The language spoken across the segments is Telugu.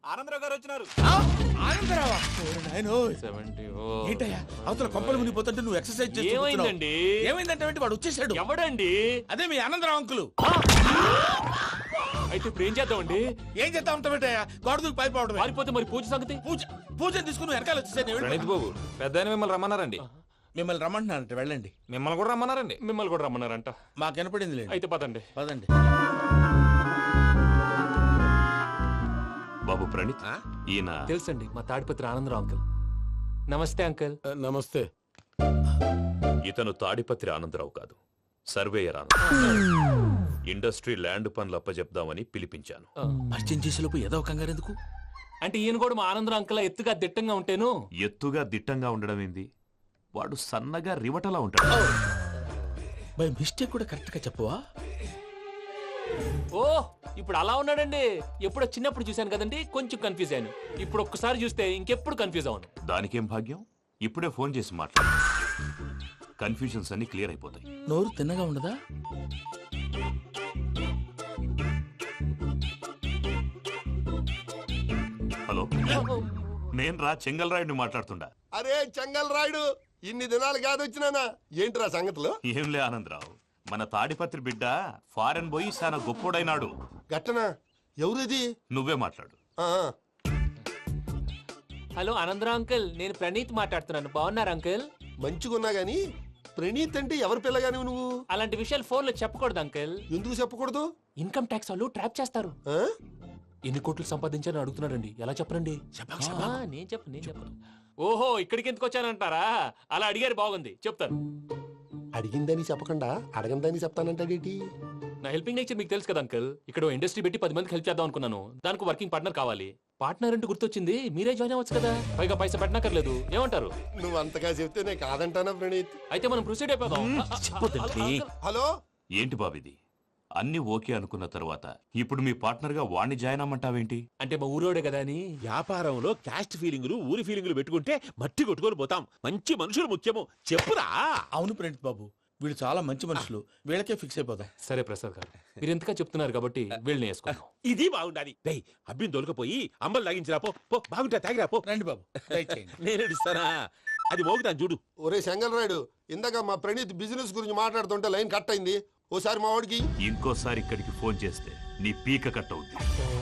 ఆనందరావు గారు వచ్చినారు. ఆనందరావా? ఏంటయ్యా అవతల కొంపలు మునిగిపోతుంటే నువ్వు ఎక్సర్సైజ్ చేస్తున్నావు. ఏమైందంటే వాడు వచ్చేసాడు. ఎవడండి? అదే మీ ఆనందరావు అంకులు. అయితే ఇప్పుడు ఏం చేద్దామండి? ఏం చేస్తా ఉంటావేటయ్యా? గొడవకు పైపోవడం. పారిపోతే మరి పూజ సంగతి? పూజ తీసుకుని వెనకాల వచ్చేసాను. ప్రణీత్ బాబు, పెద్ద మిమ్మల్ని రమ్మన్నారండి. మిమ్మల్ని రమ్మంటున్నారంట, వెళ్ళండి. మిమ్మల్ని కూడా రమ్మన్నారండి. మిమ్మల్ని కూడా రమ్మన్నారంట. మాకు వినపడింది లేదు. అయితే పదండి. పదండి. బాబు ప్రణీత్, ఈయన తెలుసండి, మా తాడిపత్రి ఆనందరావు అంకుల్. నమస్తే అంకుల్. నమస్తే. ఇతను తాడిపత్రి ఆనందరావు కాదు, సర్వేయర్ ఆనందరావు. ఇండస్ట్రీ ల్యాండ్ పనులు అప్పచెప్దామని పిలిపించాను. పరిచయం చేసేలోపు ఏదో కంగారు ఎందుకు? అంటే ఈయన కూడా మా ఆనందరావు అంకుల్ ఎత్తుగా దిట్టంగా ఉంటేను. ఎత్తుగా దిట్టంగా ఉండడం ఏంది? వాడు సన్నగా రివటలా ఉంటాడు. బై మిస్టేక్ కూడా కరెక్ట్ గా చెప్పవా? ఓ, ఇప్పుడు అలా ఉన్నాడండి. ఎప్పుడో చిన్నప్పుడు చూశాను కదండి, కొంచెం కన్ఫ్యూజ్ అయ్యాను. ఇప్పుడు ఒక్కసారి చూస్తే ఇంకెప్పుడు కన్ఫ్యూజ్ అవ్వను. దానికేం భాగ్యం, ఇప్పుడే ఫోన్ చేసి మాట్లాడు. కన్ఫ్యూజన్స్ అన్ని క్లియర్ అయిపోతాయి. నోరు తిన్నగా ఉండదా? హలో, నేను రా చెంగల్ రాయుడిని మాట్లాడుతుండా. అరే చెంగల్ రాయుడు, ఇన్ని దినాలు కాదు వచ్చినానా? ఏంట్రా సంగతులు? ఏంలే ఆనందరావు, మన తాడిపత్రి బిడ్డ ఫారెన్ పోయి చాలా గొప్పోడైనాడు. గట్టనా? ఎవరిది? నువ్వే మాట్లాడు. హలో ఆనందరావు అంకుల్, నేను ప్రణీత్ మాట్లాడుతున్నాను. బాగున్నారు అంకుల్? మంచిగున్నా గాని ప్రణీత్ అంటే ఎవరి పిల్లగాని నువ్వు? అలాంటి విషయాలు ఫోన్ లో చెప్పకూడదు అంకుల్. ఎందుకు చెప్పకూడదు? ఇన్కమ్ ట్యాక్స్ వాళ్ళు ట్రాప్ చేస్తారు. ఆ? ఎన్ని కోట్లు సంపాదించాలని అడుగుతున్నారండి. ఎలా చెప్పరండి? నేను చెప్పను. ఓహో, ఇక్కడికి ఎందుకు వచ్చానంటారా? అలా అడిగారు, బాగుంది, చెప్తాను. అడిగిందని చెప్పకుండా అడగందని చెప్తానంటాడేటి? నా హెల్పింగ్ నేచర్ మీకు తెలుసు కదా అంకుల్. ఇక్కడ ఇండస్ట్రీ పెట్టి 10 మందికి హెల్ప్ చేద్దాం అనుకున్నాను. దానికి వర్కింగ్ పార్ట్నర్ కావాలి. పార్ట్నర్ అంటే గుర్తొచ్చింది, మీరే జాయిన్ అవ్వచ్చు కదా. పైగా పైసా పెట్టనక్కర్లేదు. ఏమంటారు? నువ్వు అంతగా చెప్తే నేను కాదంటానా ప్రణీత్? అయితే మనం ప్రొసీడ్ అయిపోదాం. హలో, ఏంటి బాబిది? అన్ని ఓకే అనుకున్న తర్వాత ఇప్పుడు మీ పార్ట్నర్ గా వాణ్ణి జాయిన్ అమ్మంటావేంటి? అంటే మా ఊరోడే కదా అని. వ్యాపారంలో క్యాస్ట్ ఫీలింగులు, ఊరి ఫీలింగులు పెట్టుకుంటే మట్టి కొట్టుకొని పోతాం. మంచి మనుషులు ముఖ్యము. చెప్పురా. అవును ప్రణీత్ బాబు, వీళ్ళు చాలా మంచి మనుషులు. వీళ్ళకే ఫిక్స్ అయిపోదాం. సరే ప్రసాద్ గారు, మీరు ఎంతగా చెప్తున్నారు కాబట్టి వీళ్ళని వేసుకుందాం. ఇది బాగుండాలి. డై అబ్బిని దొలకపోయి అమ్మలు తాగించిరా పో. బాగుంటా తాగిరా పో. రండి బాబు, దయచేయండి. నేను ఇస్తానా? అది మోగుతాను చూడు. ఒరే చెంగల్ రాయుడు, ఇందాక మా ప్రణీత్ బిజినెస్ గురించి మాట్లాడుతుంటే లైన్ కట్ అయింది. ఓసారి మా వాడికి ఇంకోసారి ఇక్కడికి ఫోన్ చేస్తే నీ పీక కట్ అవుద్ది.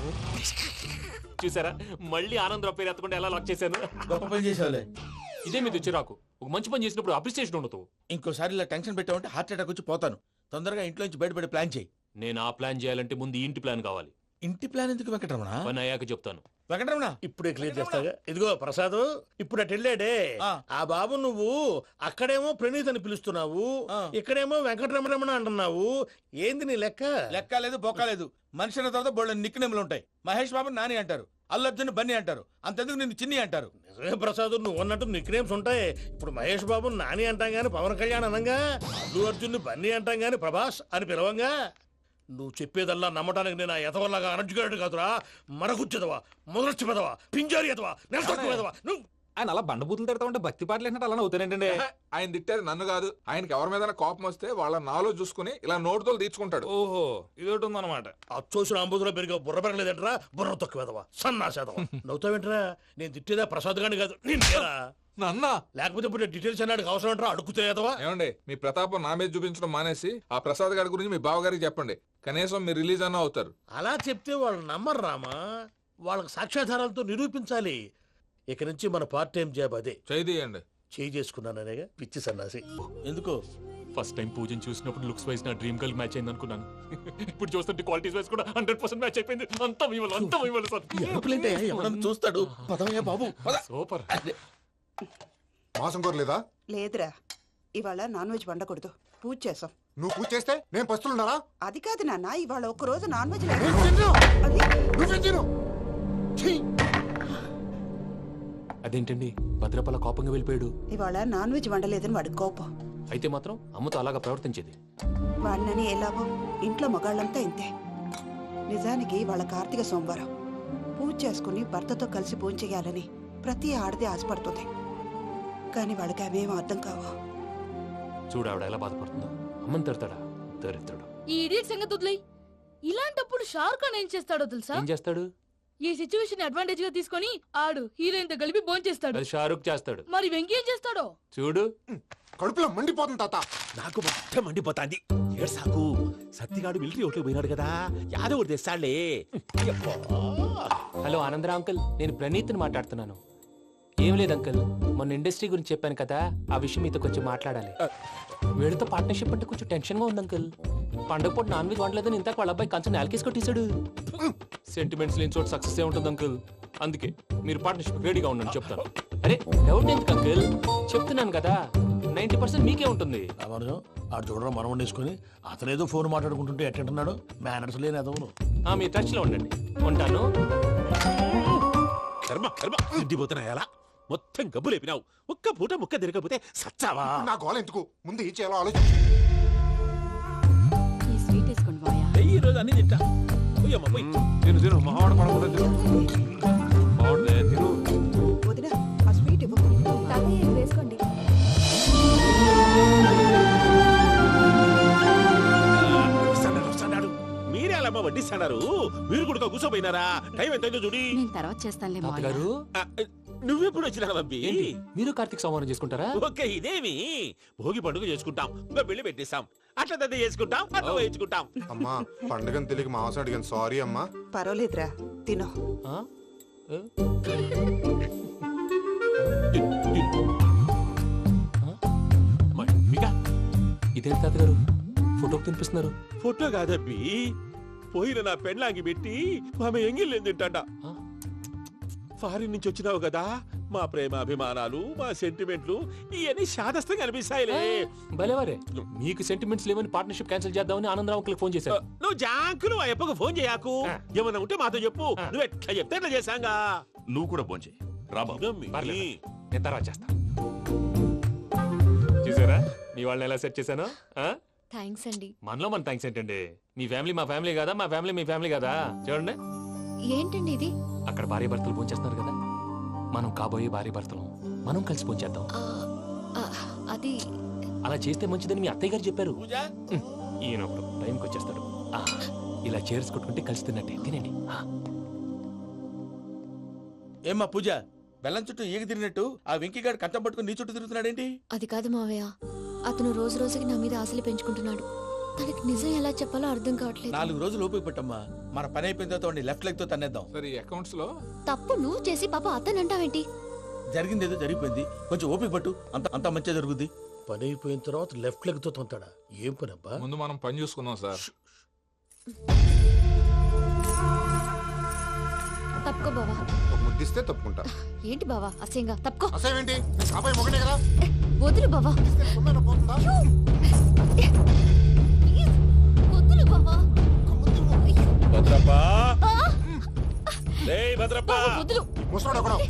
చూసారా, మళ్ళీ ఆనందరావు పేరు ఎత్తకుండా ఎలా లాక్ చేశాను. గొప్ప పని చేసేవాళ్ళే. ఇదే మీద చిరాకు. ఒక మంచి పని చేసినప్పుడు అప్రిసియేషన్ ఉండదు. ఇంకోసారి ఇలా టెన్షన్ పెట్టామంటే హార్ట్ అటాక్ వచ్చి పోతాను. తొందరగా ఇంట్లో నుంచి బయటపడే ప్లాన్ చేయి. నేను ఆ ప్లాన్ చేయాలంటే ముందు ఈ ఇంటి ప్లాన్ కావాలి. ఇంటి ప్లాన్ ఎందుకు వెంకటరమణ? పని అయ్యాక చెప్తాను. వెంకటరమణ ఇప్పుడే క్లియర్ చేస్తాగా. ఇదిగో ప్రసాద్, ఇప్పుడు అటు వెళ్ళాడే ఆ బాబు, నువ్వు అక్కడేమో ప్రణీత్ అని పిలుస్తున్నావు, ఇక్కడేమో వెంకటరమణ అంటున్నావు. ఏంది నీ లెక్క? లెక్క లేదు, బొక్క లేదు. మనిషి అన్న తర్వాత బోళ్ళ నిక్నెములు ఉంటాయి. మహేష్ బాబు నాని అంటారు, అల్లర్జున్ బన్నీ అంటారు, అంతెందుకు నిన్ను చిన్ని అంటారు. నిజమే ప్రసాద్, నువ్వు అన్నట్టు నిక్ నేమ్స్ ఉంటాయి. ఇప్పుడు మహేష్ బాబు నాని అంటాం గాని పవన్ కళ్యాణ్ అనంగా, అల్లు అర్జున్ బన్నీ అంటాం గాని ప్రభాస్ అని పిలవంగా. నువ్వు చెప్పేదల్లా నమ్మటానికి నేను ఆ ఎతవల్లాగా అనర్జుకేటెడ్ కాదురా. మరగుచ్చదవా, మొదలచ్చి పెదవా, పింజారి ఎదవా, నెలసొక్కు పెదవా. నువ్వు ఆయన అలా బండబూతులు తిడతా ఉంటే భక్తి పాటలు ఏంటంటే అలా అవుతానంటే. ఆయన తిట్టారు నన్ను కాదు. ఆయనకి ఎవరి మీద కోపం వస్తే వాళ్ళ నాలో చూసుకుని ఇలా నోటుతో తీర్చుకుంటాడు. ఓహో, ఇదొకటి ఉందన్నమాట. అచ్చోసిన అంబుధులో పెరిగే బుర్ర పెరగలేదంటరా. బుర్ర తొక్కువేదవా, సన్నాసేదవా. నవ్వుతావేంట్రా? నేను తిట్టేదా ప్రసాద్ గాని కాదు, నిన్నేరా. నన్న లేకపోతే ఇప్పుడు డీటెయిల్స్ అన్నాడు అవసరం అంటారా? అడుగుతాయేదవా. ఏమండి, మీ ప్రతాపం నా మీద చూపించడం మానేసి ఆ ప్రసాద్ గారి గురించి మీ బావగారికి చెప్పండి. కనీసం మీరు రిలీజ్ అన్న అవుతారు. అలా చెప్తే వాళ్ళు నమ్మరు రామా. వాళ్ళకి సాక్ష్యాధారాలతో నిరూపించాలి. ఇక నుంచి మన పార్ట్ టైం జాబ్ అదే. చేయండి. చేయి చేసుకున్నాననేగా పిచ్చి సన్నాసి. ఎందుకు? ఫస్ట్ టైం పూజను చూసినప్పుడు లుక్స్ వైజ్ నా డ్రీమ్ గర్ల్ మ్యాచ్ అయింది అనుకున్నాను. ఇప్పుడు చూస్తుంటే క్వాలిటీస్ వైజ్ కూడా 100% మ్యాచ్ అయిపోయింది. అంతా ఇవ్వాలి సార్. ఎవడన్నా చూస్తాడు. పదవయ్యా బాబు, సూపర్. మాసం కోరలేదా? లేదురా, ఇవాళ నాన్ వెజ్ వండకూడదు. పూజ చేసాం. నువ్వు పూజ చేస్తే నేను పస్తులున్నారా? అది కాదు నాన్న, ఇవాళ ఒక్కరోజు నాన్ వెజ్ అదేంటండి, భద్రపల కోపంగా వెళ్ళిపోయాడు. ఇవాళ నాన్ వెజ్ వండలేదని వాడి కోపం. అయితే మాత్రం అమ్మతో అలాగా ప్రవర్తించేది. వాడినని ఎలాగో ఇంట్లో మగాళ్ళంతా ఇంతే. నిజానికి వాళ్ళ కార్తీక సోమవారం పూజ చేసుకుని భర్తతో కలిసి పూజ చేయాలని ప్రతి ఆడది ఆశపడుతుంది. కానీ వాడికి అవేం అర్థం కావు. చూడు ఆవిడ ఎలా బాధపడుతుందో. అమ్మని తిడతాడా? దరిద్రుడు. ఈ ఇడియట్ సంగతి వదిలేయ్. ఇలాంటప్పుడు షారుఖ్ ఖాన్ ఏం చేస్తాడో తెలుసా? ఏం చేస్తాడు? ఈ సిచ్యువేషన్ అడ్వాంటేజ్ గా తీసుకొని ఆడు హీరోయిన్ తో కలిపి భోంచేస్తాడు. అది షారుఖ్ చేస్తాడు. మరి వెంకీ ఏం చేస్తాడో చూడు. కడుపులో మండిపోతుంది తాత. నాకు మొత్తం మండిపోతాంది. ఏడు సాకు సత్తిగాడు మిలిటరీ ఓట్లు పోయినాడు కదా, యాదవ్ తెస్తాడులే. హలో ఆనందరా అంకుల్, నేను ప్రణీత్ని మాట్లాడుతున్నాను. ఏం లేదు అంకుల్, మొన్న ఇండస్ట్రీ గురించి చెప్పాను కదా, ఆ విషయం మీతో కొంచెం మాట్లాడాలి. వీళ్ళతో పార్ట్నర్షిప్ అంటే కొంచెం టెన్షన్ గా ఉంది అంకుల్. పండగ పూట నాన్ వెజ్ వండలేదని ఇంతకు వాళ్ళ అబ్బాయి కంచెం నేలకేసి కొట్టేశాడు. సెంటిమెంట్స్ లేని చోట సక్సెస్ ఏ ఉంటుంది అంకుల్. అందుకే మీరు పార్ట్నర్షిప్ రెడీగా ఉండండి చెప్తాను. అరే డౌట్ ఎందుకు అంకుల్, చెప్తున్నాను కదా 90% మీకే ఉంటుంది. రామానుజం ఆడు చూడడం మనం వండేసుకుని అతనేదో ఫోన్ మాట్లాడుకుంటుంటే ఎట్టంటున్నాడు. మేనర్స్ లేని అదవును. మీ టచ్ లో ఉండండి. ఉంటాను. కర్మ కర్మ తిండిపోతున్నా ఎలా మొత్తం గబ్బు లేపినావు. ఒక్క పూట ముక్క తిరగకపోతే సచ్చావా? నా గోల ఎందుకు, ముందు ఏం చేయాలో ఆలోచించు. ఈ స్వీట్ వేసుకోండి బాయా. ఈ రోజు అన్ని తింటా. పోయమ్మ పోయి. తిను తిను మహావాడ పడకుండా తిను. బాగుండే తిను. వదిన ఆ స్వీట్ ఇవ్వు. వేసుకోండి. వస్తాడు. మీరే అలా వడ్డిస్తాడారు. మీరు కూడా కూర్చోపోయినారా? టైం ఎంతైందో చూడి. నేను తర్వాత చేస్తానులే మావయ్య. గారు నువ్వెప్పుడు వచ్చినా బంబి? మీరు కార్తీక్ సంహారం చేసుకుంటారా? ఓకే, ఇదేమి భోగి పండుగ చేసుకుంటాం, పెళ్లి పెట్టేస్తాం, అట్లా దద్ద చేసుకుంటాం, అట్లా వేయించుకుంటాం. అమ్మా పండుగని తెలియక మాంసం అడిగాను, సారీ అమ్మా. పర్వాలేదురా, తినో. ఆ? ఏ? ఇదేంటి తాతగారు ఫోటోకి తినిపిస్తున్నారు? ఫోటో కాదబ్బి, పోయిన నా పెళ్ళాంగి పెట్టి ఆమె ఎంగిల్లేం తింటాడ. ఫారిన్ నుంచి వచ్చినావు కదా, మా ప్రేమ అభిమానాలు, మా సెంటిమెంట్లు ఇవన్నీ శాదస్తంగా అనిపిస్తాయిలే. భలేవారే, మీకు సెంటిమెంట్స్ లేవని పార్ట్నర్షిప్ క్యాన్సిల్ చేద్దామని ఆనందరావు అంకుల్ ఫోన్ చేశారు. నువ్వు జాంకులు ఆ ఎప్పకు ఫోన్ చేయకు. ఏమన్నా ఉంటే మాతో చెప్పు. నువ్వు ఎట్లా చెప్తే ఎట్లా చేశాంగా. నువ్వు కూడా భోంచే రాబాబు. పర్లేదు, నేను తర్వాత చేస్తా. చూసారా మీ వాళ్ళని ఎలా సెట్ చేశాను? థ్యాంక్స్ అండి. మనలో మన థ్యాంక్స్ ఏంటండి? మీ ఫ్యామిలీ మా ఫ్యామిలీ కదా, మా ఫ్యామిలీ మీ ఫ్యామిలీ కదా. చూడండి, ఏంటండి ఇది? అక్కడ భార్య భర్తలు పోంచేస్తున్నారు కదా, మనం కాబోయే భార్య భర్తలు మనం కలిసి పోంచేద్దాం. అది అలా చేస్తే మంచిదని మీ అత్తయ్య గారు చెప్పారు. పూజ ఈయన ఒకడు టైంకి వచ్చేస్తాడు. ఇలా చేర్స్ కొట్టుకుంటే కలిసి తిన్నట్టే. తినండి. ఏమ్మా పూజ, బెల్లం చుట్టూ ఈగ తిరిగినట్టు ఆ వెంకీగాడు కంచం పట్టుకుని నీ చుట్టూ తిరుగుతున్నాడేంటి? అది కాదు మావయ్య, అతను రోజు రోజుకి నా మీద ఆశలు పెంచుకుంటున్నాడు. తనకి నిజం ఎలా చెప్పాలో అర్థం కావట్లేదు. 4 రోజులు ఓపిక పట్టమ్మా, మన పని అయిపోయిన తర్వాత లెఫ్ట్ లెగ్ తో తన్నేద్దాం. సరే ఈ అకౌంట్స్ లో తప్పు నువ్వు చేసి పాప అతను అంటావేంటి? జరిగింది ఏదో జరిగిపోయింది, కొంచెం ఓపిక పట్టు, అంత మంచిగా జరుగుద్ది. పని అయిపోయిన తర్వాత లెఫ్ట్ లెగ్ తో తొంతాడా? ఏం పని అబ్బా? ముందు మనం పని చూసుకుందాం సార్. తప్పుకో బావా. ఒక ముద్దిస్తే తప్పుకుంటా. ఏంటి బావా అసహ్యంగా? తప్పుకో. అసేమేంటి, అబ్బాయి మొగనే కదా. వదులు బావా. సొమ్మేనా పోతుందా? వదులు బావా. భద్రప్ప, రేయ్ భద్రప్ప. వదులు. ముసలోడు ఒకడు.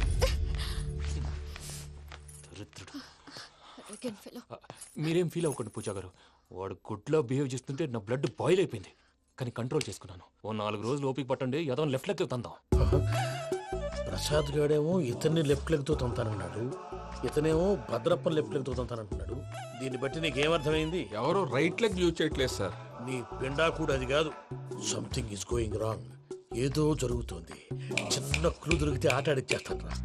మీరేం ఫీల్ అవ్వకండి పూజా గారు. వాడు గుడ్లో బిహేవ్ చేస్తుంటే నా బ్లడ్ బాయిల్ అయిపోయింది, కానీ కంట్రోల్ చేసుకున్నాను. ఓ 4 రోజులు ఓపిక పట్టండి, ఏదో లెఫ్ట్ లెగ్ తందాం. ప్రసాద్ గాడేమో ఇతన్ని లెఫ్ట్ లెగ్ తో తొంతానన్నాడు, ఇతనేమో భద్రప్ప లెఫ్ట్ లెగ్ తో తొంతానంటున్నాడు. దీన్ని బట్టి నీకేమర్థమైంది? ఎవరు రైట్ లెగ్ యూజ్ చేయట్లేదు సార్. నీ పిండా కూడా అది కాదు. Something is going wrong. ఏదో జరుగుతోంది. చిన్న క్లూ దొరికితే ఆట ఆడిచ్చేస్తాను రా.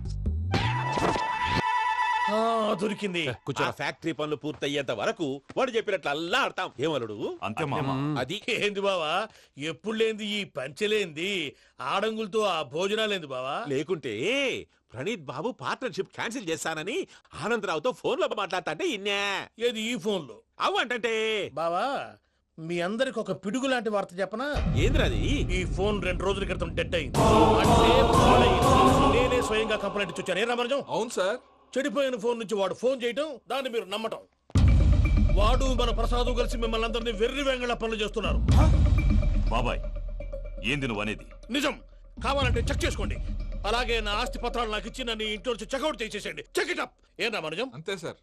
దొరికింది. ఆ ఫ్యాక్టరీ పనులు పూర్తయ్యేంత వరకు వాడు చెప్పినట్లు అల్లా ఆడతాం. ఏమలుడు అంతే మామ. అది ఏంది బావా, ఎప్పుడు లేంది ఈ పంచలేంది, ఆడంగులతో ఆ భోజనాలేంది బావా? లేకుంటే ప్రణీత్ బాబు పార్ట్నర్షిప్ క్యాన్సిల్ చేస్తానని ఆనందరావుతో ఫోన్ లో మాట్లాడతాంటే ఇన్నే. ఏది ఈ ఫోన్ లో? అవు అంటే బావా, మీ అందరికి ఒక పిడుగు లాంటి వార్త చెప్పనా? ఏంద్రది? ఈ ఫోన్ 2 రోజుల క్రితం డెడ్ అయింది. అంటే పాడైంది. నేనే స్వయంగా కంప్లైంట్ ఇచ్చి వచ్చాను. ఏ రామరాజం? అవును సార్. చెడిపోయిన ఫోన్ నుంచి వాడు ఫోన్ చేయటం, దాన్ని మీరు నమ్మటం. వాడు మన ప్రసాదు కలిసి మిమ్మల్ని అందరినీ వెర్రి వెంగళ పనులు చేస్తున్నారు. బాబాయ్ ఏంది నువ్వు అనేది? నిజం. కావాలంటే చెక్ చేసుకోండి. అలాగే నా ఆస్తి పత్రాలు నాకు ఇచ్చి నన్ను ఇంట్లో నుంచి చెక్అౌట్ చేసేసండి. Check it up. ఏం రామరాజం? అంతే సార్.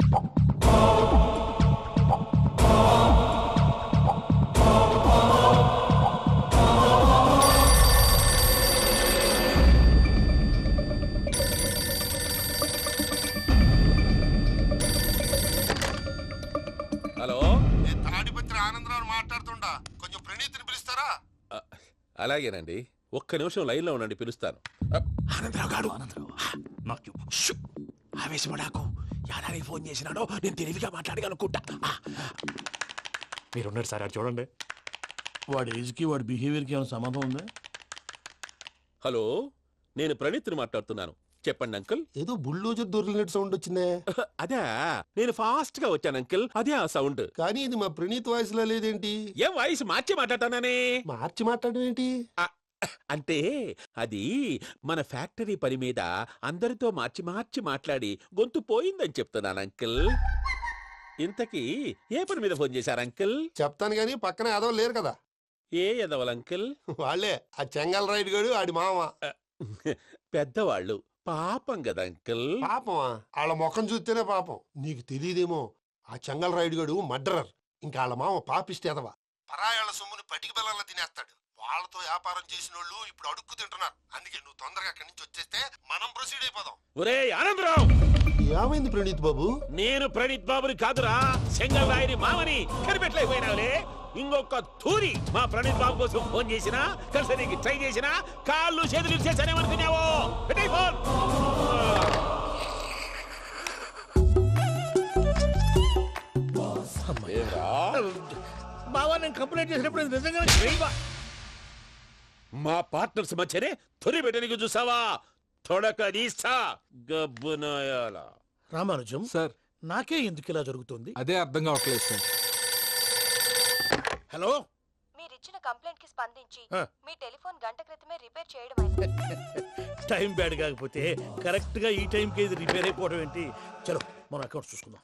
హలో, తాడిపత్రి ఆనందరావు మాట్లాడుతుండా, కొంచెం ప్రణీతిని పిలుస్తారా? అలాగేనండి. ఒక్క నిమిషం లైన్లో ఉండండి, పిలుస్తాను. ఆనందరావు గాడు ఆవేశపడాకు. యాదానికి ఫోన్ చేసినాడో నేను తెలివిగా మాట్లాడగలనుకుంటా. మీరున్నారు సార్, అది చూడండి. వాడి ఏజ్కి వాడి బిహేవియర్కి ఏమైనా సంబంధం ఉందా? హలో, నేను ప్రణీత్ని మాట్లాడుతున్నాను. చెప్పండి అంకుల్. ఏదో బుల్డోజర్ దొరికినట్టు సౌండ్ వచ్చిందే. అదే, నేను ఫాస్ట్ గా వచ్చాను అంకుల్, అదే ఆ సౌండ్. కానీ ఇది మా ప్రణీత్ వాయిస్ లో లేదేంటి? ఏం వాయిస్ మార్చి మాట్లాడతానని? మార్చి మాట్లాడడం ఏంటి? అంటే అది మన ఫ్యాక్టరీ పని మీద అందరితో మార్చి మార్చి మాట్లాడి గొంతు పోయిందని చెప్తున్నాను అంకుల్. ఇంతకీ ఏ పని మీద ఫోన్ చేశారు అంకుల్? చెప్తాను గానీ పక్కన ఏదో లేరు కదా. ఏ ఎదవలు అంకుల్? వాళ్ళే ఆ చెంగల్ రైడ్ గడు ఆడి మామ. పెద్దవాళ్ళు, పాపం కదా అంకుల్. పాపమా? వాళ్ళ ముఖం చూస్తేనే పాపం. నీకు తెలియదేమో, ఆ చెంగల్ రైడ్ గడు మర్డరర్. ఇంకా వాళ్ళ మామ పాపిస్తేదవా. పరాయాళ్ళ సొమ్ముని పటికి బెల్లంలో తినేస్తాడు. వాళ్ళతో వ్యాపారం చేసిన వాళ్ళు ఇప్పుడు అడుక్కు తింటున్నారు. అందుకే నువ్వు తొందరగా అక్కడి నుంచి వచ్చేస్తే మనం ప్రొసీడ్ అయిపోదాం. ఒరే ఆనందరావు! ఏమైంది ప్రణీత్ బాబు? నేను ప్రణీత్ బాబుని కాదురా, సెంగల్ రాయని మామని. కనిపెట్టలేకపోయినావులే. ఇంకొక తూరి మా ప్రణీత్ బాబు కోసం ఫోన్ చేసినా, కలిసి ట్రై చేసినా కాళ్ళు చేతులు చేశానేమనుకున్నావో. పెట్టేయ్ ఫోన్. బావా, నేను కంప్లైంట్ చేసినప్పుడు ఇది నిజంగానే చేయవా? మా పార్ట్నర్స్ మధ్యనే తొలి పెట్టడానికి చూసావా? తొడక నీస్తా గబ్బునాయాల. రామానుజం సార్, నాకే ఎందుకు ఇలా జరుగుతుంది? అదే అర్థం కావట్లేదు సార్. హలో, మీరిచ్చిన కంప్లైంట్ కి స్పందించి ఆ. మీ టెలిఫోన్ గంట క్రితమే రిపేర్ చేయడం అయింది. టైం బ్యాడ్ కాకపోతే కరెక్ట్ గా ఈ టైంకి ఇది రిపేర్ అయిపోవడం ఏంటి? చలో మన అకౌంట్ చూసుకుందాం.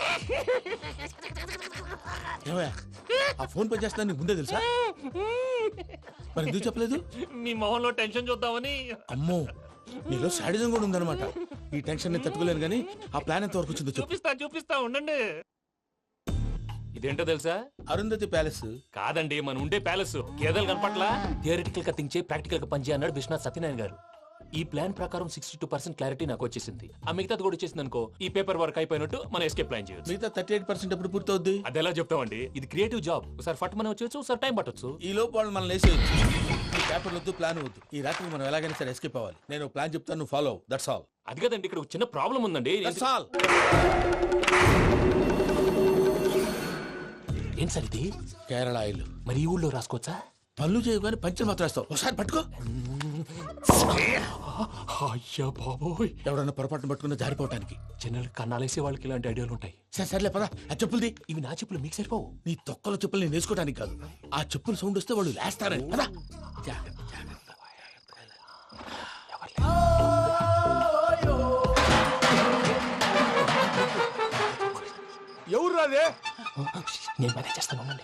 ఏమయ్య, ఆ ఫోన్ పని చేస్తున్నా నీకు ముందే తెలుసా? మరి ఎందుకు చెప్పలేదు? మీ మొహంలో టెన్షన్ చూద్దామని. అమ్మో, నీలో శాడిజం కూడా ఉందన్నమాట. ఈ టెన్షన్ ని తట్టుకోలేను కానీ ఆ ప్లాన్ ఎంత వరకు వచ్చిందో చెప్పు. చూపిస్తా ఉండండి. ఇదేంటో తెలుసా? అరుంధతి ప్యాలెస్ కాదండి, మన ఉండే ప్యాలెస్. గేదెలు కనపట్లా? థియరిటికల్ గా థింక్ చేయి, ప్రాక్టికల్ గా పనిచేయి అన్నాడు విశ్వనాథ్ సత్యనారాయణ గారు. ఈ ప్లాన్ ప్రకారం 62% క్లారిటీ నాకు వచ్చేసింది. ఆ మిగతాది కూడా వచ్చేసింది అనుకో, ఈ పేపర్ వర్క్ అయిపోయినట్టు మనం ఎస్కేప్ ప్లాన్ చేయొచ్చు. మిగతా 38% ఎప్పుడు పూర్తవుద్ది? అది ఎలా చెప్తామండి? ఇది క్రియేటివ్ జాబ్. ఒకసారి ఫట్ మనం వచ్చేయచ్చు, ఒకసారి టైం పట్టొచ్చు. ఈ లోపు వాళ్ళు మనం లేసేయచ్చు. ఈ పేపర్ వద్దు, ప్లాన్ వద్దు. ఈ రాత్రికి మనం ఎలాగైనా సరే ఎస్కేప్ అవ్వాలి. నేను ప్లాన్ చెప్తాను, నువ్వు ఫాలో. That's all. అది కదండి, ఇక్కడ ఒక చిన్న ప్రాబ్లం ఉందండి. That's all. ఏం సార్ ఇది? కేరళ ఆయిల్. మరి ఈ ఊళ్ళో రాసుకోవచ్చా? పనులు చేయవు కానీ పంచర్ మాత్రం వేస్తావు. ఒకసారి పట్టుకో. అయ్యా బాబోయ్, ఎవడన్నా పొరపాటున పట్టుకున్న జారిపోవటానికి. జనరల్ కన్నాలేసే వాళ్ళకి ఇలాంటి ఐడియాలు ఉంటాయి. సర్లే పదా, ఆ చెప్పులది. ఇవి నా చెప్పులు, మీకు సరిపోవు. నీ తొక్కల చెప్పులు నేను వేసుకోవడానికి కాదు, ఆ చెప్పులు సౌండ్ వస్తే వాళ్ళు లేస్తారని. పదా. ఎవరు రాదే? నేను మేనేజ్ చేస్తాను, ఉండండి.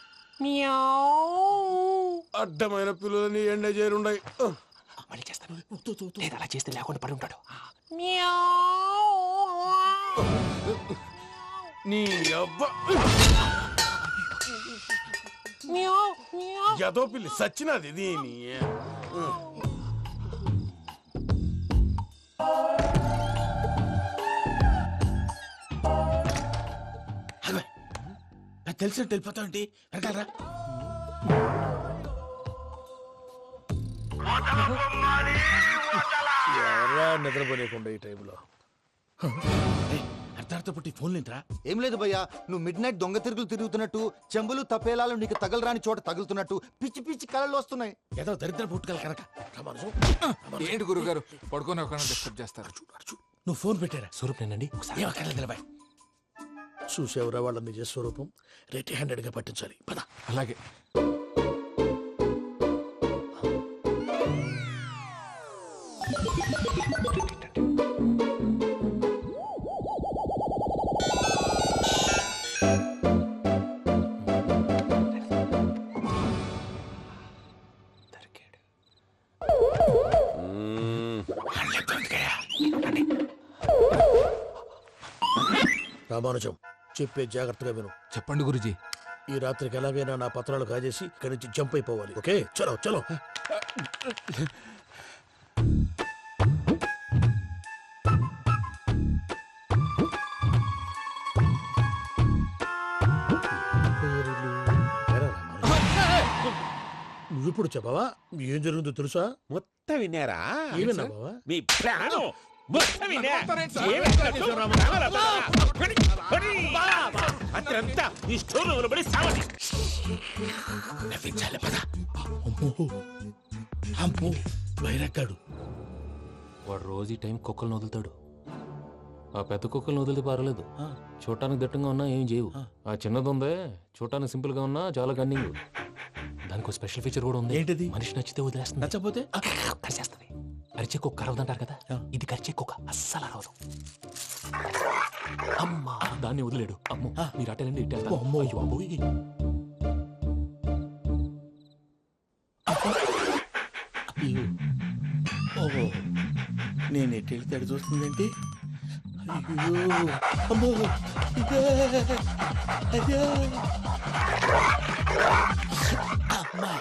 అడ్డమైన పిల్లలని ఎండ చేరుండయి. మళ్ళీ చేస్తాను. లేదు, అలా చేస్తే లేకుండా పడి ఉంటాడు. నీ అబ్బ ఎదో పిల్లి సచ్చినది దీని. తెలిసినట్టు వెళ్ళిపోతావు ఏంటి? వెనకాలరా. ఎవరా నిద్రపోలేకుండా ఈ టైంలో? అర్ధార్థ పుట్టి ఫోన్ లేంట్రా. ఏం లేదు భయ్యా, నువ్వు మిడ్ నైట్ దొంగ తిరుగులు తిరుగుతున్నట్టు, చెంబులు తపేలాలు నీకు తగలరాని చోట తగులుతున్నట్టు పిచ్చి పిచ్చి కళలు వస్తున్నాయి. ఏదో దరిద్ర పుట్టుకల కనుక. ఏంటి గురుగారు పడుకొని ఒక డిస్టర్బ్ చేస్తారు? నువ్వు ఫోన్ పెట్టారా? స్వరూప్ నేనండి. ఒకసారి నిలబాయ్. చూసేవరా వాళ్ళ నిజ స్వరూపం. రెట్టి హ్యాండెడ్ గా పట్టించాలి. పద. అలాగే. రామానుజం, చెప్పే జాగ్రత్తగా విను. చెప్పండి గురుజీ. ఈ రాత్రికి ఎలాగైనా నా పత్రాలు కాజేసి ఇక్కడి నుంచి జంప్ అయిపోవాలి. ఓకే, చలో చలో. ఇప్పుడు చెప్పవా ఏం జరుగుతుందో తెలుసా? మొత్తం విన్నారా? ఏమన్నా బావా? మీ ప్రాణం మొత్తం విన్నా? అత్రంతా ఈ స్టోర్ రూమ్ లో పడి సావండి. నవ్వించాలి పద. అమ్మో అమ్మో బైరక్కాడు. వాడు రోజు ఈ టైం కుక్కలను వదులుతాడు. ఆ పెద్ద కుక్కలను వదిలితే పర్వాలేదు, చూడటానికి దట్టంగా ఉన్నా ఏం చేయవు. ఆ చిన్నది ఉందే చూడటానికి సింపుల్ గా ఉన్నా చాలా గన్నింగ్. దానికి స్పెషల్ ఫీచర్ కూడా ఉంది. ఏంటిది? మనిషి నచ్చితే వదిలేస్తుంది, నచ్చపోతే కరిచేస్తుంది. అరిచే కుక్క అరవదంటారు కదా, ఇది కరిచే కుక్క అస్సలు అరవదు. అమ్మా దాన్ని వదిలేడు. అమ్మో మీరు అటెండి ఇటు వెళ్తారు. అమ్మో అయ్యో అబ్బోయ్. ఓహో నేను ఎటు వెళ్తే అటు చూస్తుందంటే అయ్యో అమ్మో ఇదే అయ్యో అమ్మా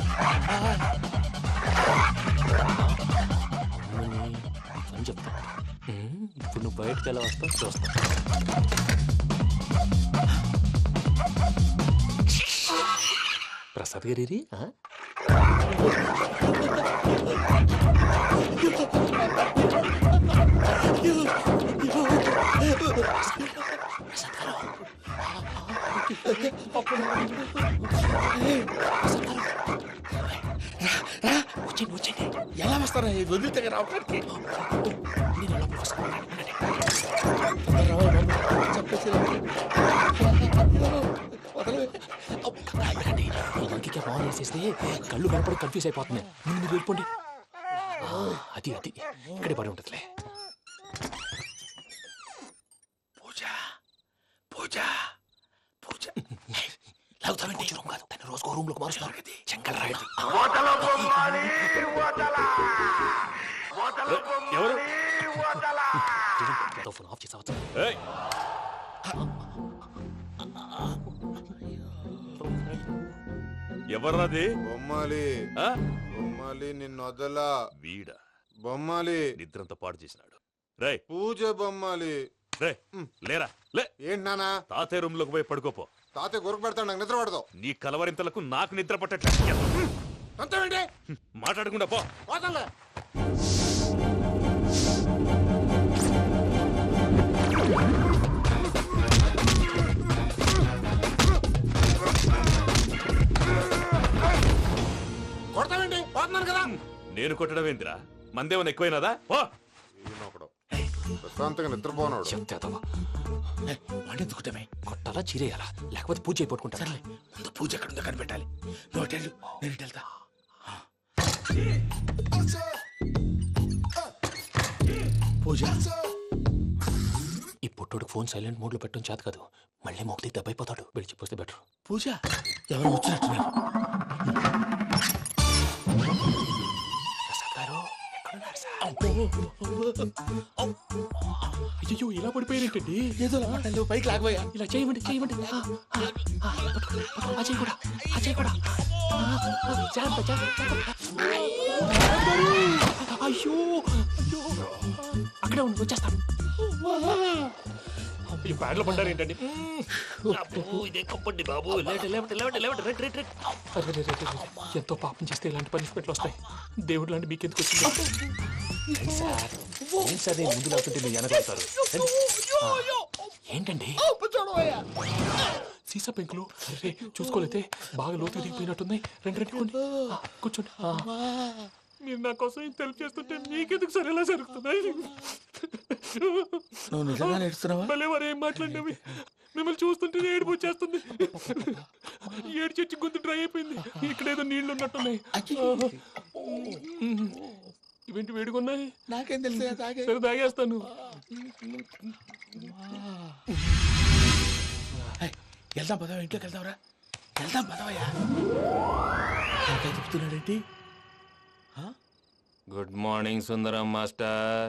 అని చెప్తా. ఇప్పుడు నువ్వు బయటకు ఎలా వస్తావు చూస్తా. ప్రసాద్ గారి వచ్చండి ఎలా వస్తారా వదిలితే రావడానికి? ఫోన్ వేసేస్తే కళ్ళు కనపడి కన్ఫ్యూజ్ అయిపోతున్నాయి. మీరు వెళ్ళిపోండి. అది అది ఇక్కడే పడి ఉంటుందిలే. పూజ పూజ పూజ లాగుతామంటే రూమ్ కాదు, దాన్ని రోజుకో రూమ్ లోకి మారుస్తున్నారు కదా. చెంకల్ రాయడం ఎవరు? ఫోన్ ఆఫ్ చేసావచ్చు. ఎవర్రాది? బొమ్మాలి ఆ? బొమ్మాలి నిన్నొదలా వీడా బొమ్మాలి నిద్రంతా పాడు చేసినాడు. రేయ్ పూజ బొమ్మాలి. రే లేరా లే. ఏంటి నానా? తాతయ్య రూమ్ లోకి పోయి పడుకోపో. తాతయ్య గురకు పెడతాడు, నాకు నిద్ర పడతావు. నీ కలవరింతలకు నాకు నిద్ర పట్టట్లేదు. అంతేంటి మాట్లాడకుండా పో. పోతాలే. కొడతావేంటి? పోతున్నాను కదా. నేను కొట్టడం ఏంటిరా? మందేమన్నా ఎక్కువైనదా? పో. ఈయనొకడు ప్రశాంతంగా నిద్రపోనాడు. చెప్తావా వాడెందుకుంటామే? కొట్టాలా చీరేయాలా లేకపోతే పూజ అయిపోట్టుకుంటా. ముందు పూజ ఎక్కడ ఉందో కనిపెట్టాలి. నువ్వు వెళ్ళు, నేను ఇటు వెళ్తా. పూజ ఈ పుట్టోడు ఫోన్ సైలెంట్ మోడ్ లో పెట్టడం చేత కాదు, మళ్ళీ మోగితే దెబ్బైపోతాడు. విడిచిపోతే బెటర్. పూజ ఎవరు వచ్చినట్టున్నారు? ప్రసాద్ గారు ఎక్కడున్నారు సార్? అయ్యో ఇలా పడిపోయినట్టండి. ఏదో మాటలు పైకి లాగబోయా. ఇలా చేయమండి చేయమండి. అజయ్ కూడా అజయ్ కూడా జాగ్రత్త జాగ్రత్త. అయ్యో అయ్యో అక్కడే ఉండి వచ్చేస్తాను. ఈ బ్యాడ్లో పడ్డారు ఏంటండి? ఎంతో పాపం చేస్తే ఇలాంటి పనిష్మెంట్లు వస్తాయి. దేవుడు లాంటి మీకెందుకు వచ్చింది? ఏం సార్ నేను ముందు లేకుంటే మీరు వెనకాడతారు. ఏంటండి సీసా పెంకులు? అరే చూసుకోలేతే బాగా లోతుగా దిగిపోయినట్టున్నాయి. రెండు రెండు కూర్చోండి. మీరు నా కోసం ఇంత హెల్ప్ చేస్తుంటే మీకెందుకు సరే ఎలా జరుగుతున్నాయి? నువ్వు నిజంగా నేర్చుతున్నావా? మళ్ళీ వారు ఏం మాట్లాడినవి మిమ్మల్ని చూస్తుంటే ఏడుపు వచ్చేస్తుంది. ఏడు చెట్టు గొంతు డ్రై అయిపోయింది. ఇక్కడ ఏదో నీళ్లు ఉన్నట్టున్నాయి. ఇవేంటి వేడుకున్నాయి? నాకేం తెలుసు? సరే తాగేస్తాను. వెళ్దాం పదవా, ఇంట్లోకి వెళ్దాంరా. వెళ్దాం పదవయ్యా. చెప్తున్నాడేంటి? Good morning Sundaram master.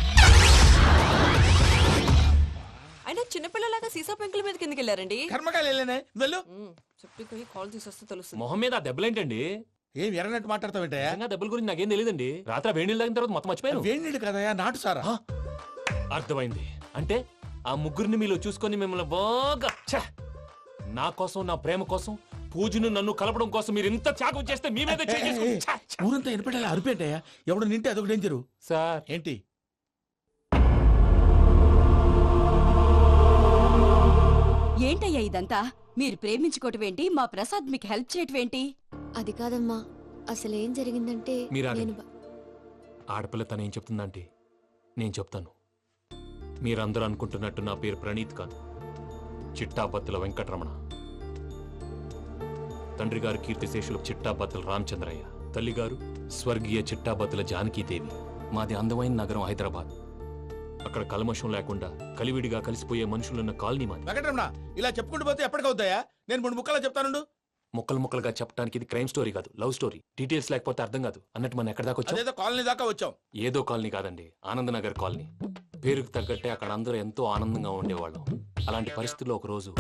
అయినా చిన్నపిల్లలాగా సీసా పెంకుల మీద కిందకి వెళ్ళారండి. కర్మకాయలు వెళ్ళానే వెళ్ళు. చెప్పి కాల్ తీసేస్తే తెలుస్తుంది. మొహం మీద ఆ దెబ్బలేంటండి? ఏం ఎర్రనట్టు మాట్లాడతావేంటయా? దెబ్బల గురించి నాకేం తెలియదండి. రాత్రి వేడి నీళ్ళు తాగిన తర్వాత మొత్తం మర్చిపోయాను. వేడి నీళ్ళు కదయా, నాటు సారా. అర్థమైంది. అంటే ఆ ముగ్గురిని మీలో చూసుకొని మిమ్మల్ని బాగా నా కోసం నా ప్రేమ కోసం పూజను నన్ను కలపడం కోసం మీరు ఇంత త్యాగం చేస్తే మీ మీద ఊరంతా వినపడేలా అరిపేంటయ్యా ఎవడు నింటే అదొక డేంజరు. సార్ ఏంటి ఏంటయ్యా ఇదంతా? మీరు ప్రేమించుకోవటం ఏంటి? మా ప్రసాద్ మీకు హెల్ప్ చేయటం ఏంటి? అది కాదమ్మా, అసలు ఏం జరిగిందంటే మీరు నేను ఆగండి. ఆడపిల్ల తను ఏం చెప్తుందంటే నేను చెప్తాను. మీరందరూ అనుకుంటున్నట్టు నా పేరు ప్రణీత్ కాదు, చిట్టాబత్తుల వెంకటరమణ. తండ్రి గారు కీర్తిశేషులు చిట్టాబత్తుల రామచంద్రయ్య, తల్లిగారు స్వర్గీయ చిట్టాబత్తుల జానకీదేవి. మాది అందమైన నగరం హైదరాబాద్. అక్కడ కల్మషం లేకుండా కలివిడిగా కలిసిపోయే మనుషులున్న కాలనీ మాది. వెంకటరమణ ఇలా చెప్పుకుంటూ పోతే ఎప్పటికవుతాయా? నేను 3 ముక్కలా చెప్తానుండు. ముక్కలు ముక్కలుగా చెప్పడానికి ఇది క్రైమ్ స్టోరీ కాదు, లవ్ స్టోరీ. డీటెయిల్స్ లేకపోతే అర్థం కాదు. అన్నట్టు మనం ఎక్కడ దాకా వచ్చాం? అదేదో కాలనీ దాకా వచ్చాం. ఏదో కాలనీ కాదండి, ఆనందనగర్ కాలనీ. పేరుకు తగ్గట్టే అక్కడ అందరూ ఎంతో ఆనందంగా ఉండేవాళ్ళం. అలాంటి పరిస్థితుల్లో ఒక రోజు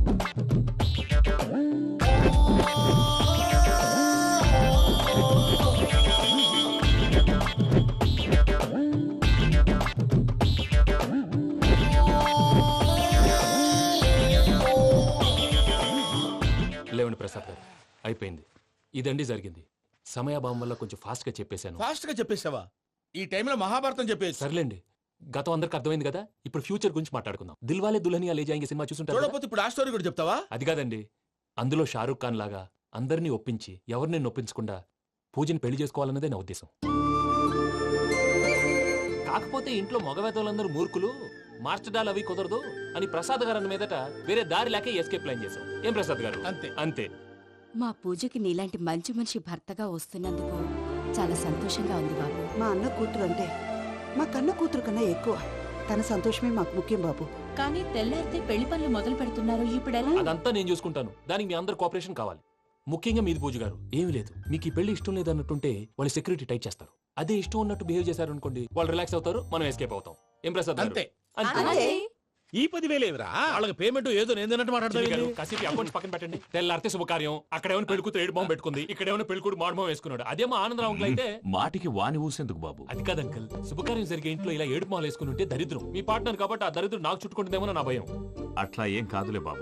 లేవండి ప్రసాద్ గారు, అయిపోయింది. ఇదండి జరిగింది. సమయాభావం వల్ల కొంచెం ఫాస్ట్ గా చెప్పేశాను. ఫాస్ట్ గా చెప్పేసావా? ఈ టైంలో మహాభారతం చెప్పేసి. సర్లేండి, గతం అందరికి అర్థమైంది కదా. ఇప్పుడు ఫ్యూచర్ గురించి మాట్లాడుకుందాం. దిల్వాలే దుల్హనియా లే జాయేంగే సినిమా చూసుంటారు కదా? చూడకపోతే ఇప్పుడు ఆ స్టోరీ కూడా చెప్తావా? అది కాదండి, అందులో షారూఖ్ ఖాన్ లాగా అందరినీ ఒప్పించి ఎవరిని నొప్పించకుండా పూజని పెళ్లి చేసుకోవాలన్నదే నా ఉద్దేశం. కాకపోతే ఇంట్లో మగవేతలందరూ మూర్ఖులు, మార్చడాలు అవి కుదరదు అని ప్రసాద్ గారు అన్న మీదట వేరే దారి లేక ఎస్కేప్ ప్లాన్ చేశాం. ఏం ప్రసాద్ గారు? అంతే అంతే. మా పూజకి నీలాంటి మంచి మనిషి భర్తగా వస్తున్నందుకు చాలా సంతోషంగా ఉంది బాబు. మా అన్న కూతురు అంతే, మా కన్న కూతురు కన్నా ఎక్కువ. తన సంతోషమే మాకు ముఖ్యం బాబు. కానీ తెల్లారితే పెళ్లి పనులు మొదలు పెడుతున్నారు, ఇప్పుడెలా? అదంతా నేను చూసుకుంటాను. దానికి మీ అందరు కోఆపరేషన్ కావాలి. ముఖ్యంగా మీది పూజ గారు. ఏమీ లేదు, మీకు ఈ పెళ్లి ఇష్టం లేదన్నట్టుంటే వాళ్ళు సెక్యూరిటీ టైట్ చేస్తారు. అదే ఇష్టం ఉన్నట్టు బిహేవ్ చేశారు అనుకోండి, వాళ్ళు రిలాక్స్ అవుతారు, మనం ఎస్కేప్ అవుతాం. ఏం ప్రసాద్ గారు? అంతే. అంతే. ఈ 10,000 ఏమిరా? వాళ్ళకి పేమెంట్ ఏదో నేను చిన్ని గారు, మాట్లాడతాను. కాసేపు అకౌంట్స్ పక్కన పెట్టండి. తెల్లారితే శుభకార్యం, అక్కడేమైనా పెళ్లి కూతురు ఏడు బాంబు పెట్టుకుంది, ఇక్కడేమైనా పెళ్లి కూతురు మాడు బాంబు వేసుకున్నాడు. అదేమో ఆనందరావు అంకుల్ అయితే మాటికి వాని ఊసేందుకు బాబు? అది కాదు అంకుల్, శుభకార్యం జరిగే ఇంట్లో ఇలా ఏడు మాలు వేసుకుని ఉంటే దరిద్రం. మీ పార్ట్నర్ కాబట్టి ఆ దరిద్రం నాకు చుట్టుకుంటుందేమో నా భయం. అట్లా ఏం కాదులే బాబు.